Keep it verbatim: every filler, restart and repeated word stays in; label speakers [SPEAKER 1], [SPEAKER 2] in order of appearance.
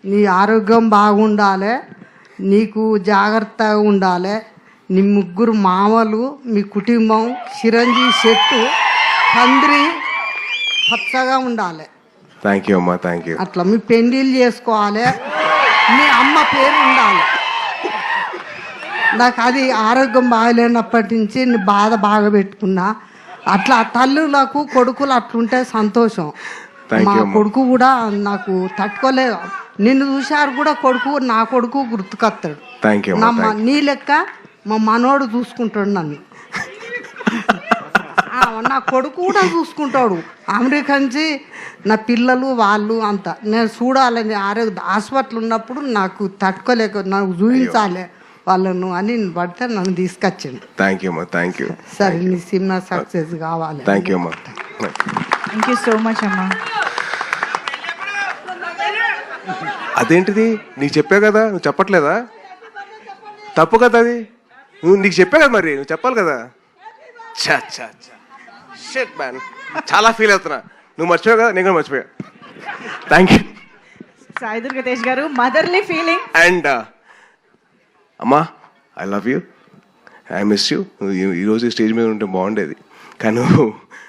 [SPEAKER 1] నీ ఆరోగ్యం బాగుండాలి, నీకు జాగ్రత్తగా ఉండాలి. నీ ముగ్గురు మామలు, మీ కుటుంబం చిరంజీవి చెట్టు పందిరి పచ్చగా ఉండాలి.
[SPEAKER 2] థ్యాంక్ యూ అమ్మా, థ్యాంక్ యూ.
[SPEAKER 1] అట్లా మీ పెళ్ళిళ్ళు చేసుకోవాలి, మీ అమ్మ పేరు ఉండాలి. నాకు అది ఆరోగ్యం బాగలేనప్పటి నుంచి నీ బాధ బాగా పెట్టుకున్నా. అట్లా తల్లులకు కొడుకులు అట్లుంటే సంతోషం. మా కొడుకు కూడా నాకు తట్టుకోలేదు. నిన్ను చూశారు కూడా కొడుకు, నా కొడుకు గుర్తుకొస్తాడు.
[SPEAKER 2] Thank you.
[SPEAKER 1] నా నీ లెక్క మా మనోడు చూసుకుంటాడు నన్ను. నా కొడుకు కూడా చూసుకుంటాడు. అమెరికా నుంచి నా పిల్లలు వాళ్ళు అంతా నేను చూడాలని ఆరోగ్య హాస్పిటల్ ఉన్నప్పుడు నాకు తట్టుకోలేక నాకు చూపించాలి వాళ్ళను అని పడితే నన్ను తీసుకొచ్చిండు.
[SPEAKER 2] థ్యాంక్ యూ అమ్మా, థ్యాంక్ యూ.
[SPEAKER 1] సరే నీ సినిమా సక్సెస్ కావాలి.
[SPEAKER 2] థ్యాంక్ యూ అమ్మా.
[SPEAKER 3] థ్యాంక్ యూ సో మచ్ అమ్మా.
[SPEAKER 2] అదేంటిది నీకు చెప్పా కదా, నువ్వు చెప్పట్లేదా? తప్పు కదా అది. నువ్వు నీకు చెప్పా కదా, మరి నువ్వు చెప్పాలి కదా. చా చా చా షిట్ మ్యాన్, చాలా ఫీల్ అవుతున్నా. నువ్వు మర్చిపోయావు కదా, నేను కూడా మర్చిపోయా. థ్యాంక్ యూ
[SPEAKER 3] సాయి దుర్గా తేజ్ గారు. Motherly feeling.
[SPEAKER 2] అండ్ అమ్మా, I love you, I miss you. ఈరోజు స్టేజ్ మీద ఉంటే బాగుండేది, కానీ నువ్వు